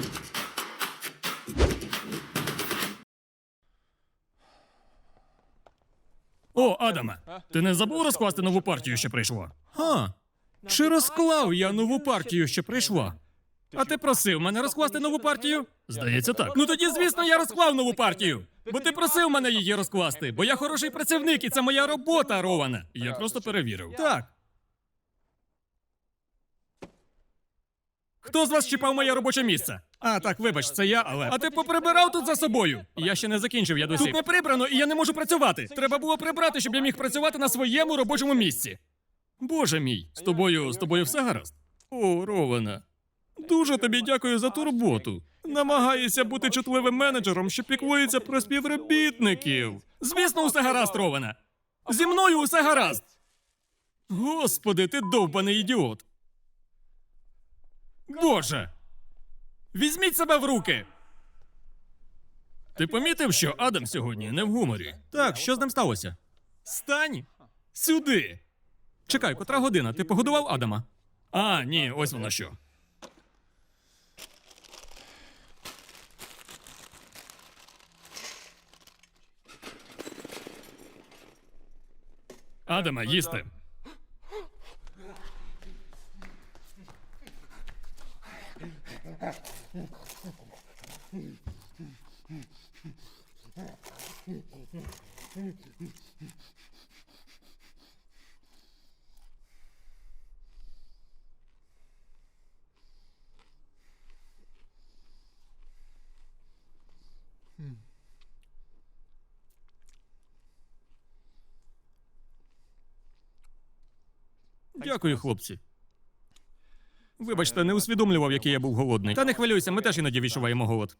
О, Адаме, ти не забув розкласти нову партію, що прийшла? Ха. Чи розклав я нову партію, що прийшла? А ти просив мене розкласти нову партію? Здається, так. Ну тоді, звісно, я розклав нову партію. Бо ти просив мене її розкласти, бо я хороший працівник і це моя робота, Роване. Я просто перевірив. Так. Хто з вас чіпав моє робоче місце? А, так, вибач, це я, але. А ти поприбирав тут за собою? Я ще не закінчив, я досі. Тут не прибрано, і я не можу працювати. Треба було прибрати, щоб я міг працювати на своєму робочому місці. Боже мій, з тобою все гаразд? О, Рована. Дуже тобі дякую за турботу. Намагаєшся бути чутливим менеджером, що піклується про співробітників. Звісно, усе гаразд, Рована. Зі мною усе гаразд. Господи, ти довбаний ідіот. Боже! Візьміть себе в руки! Ти помітив, що Адам сьогодні не в гуморі? Так, що з ним сталося? Стань сюди! Чекай, котра година? Ти погодував Адама? А, ні, ось воно що. Адама, їсти. Дякую, хлопці. Вибачте, не усвідомлював, який я був голодний. Та не хвилюйся, ми теж іноді відчуваємо голод.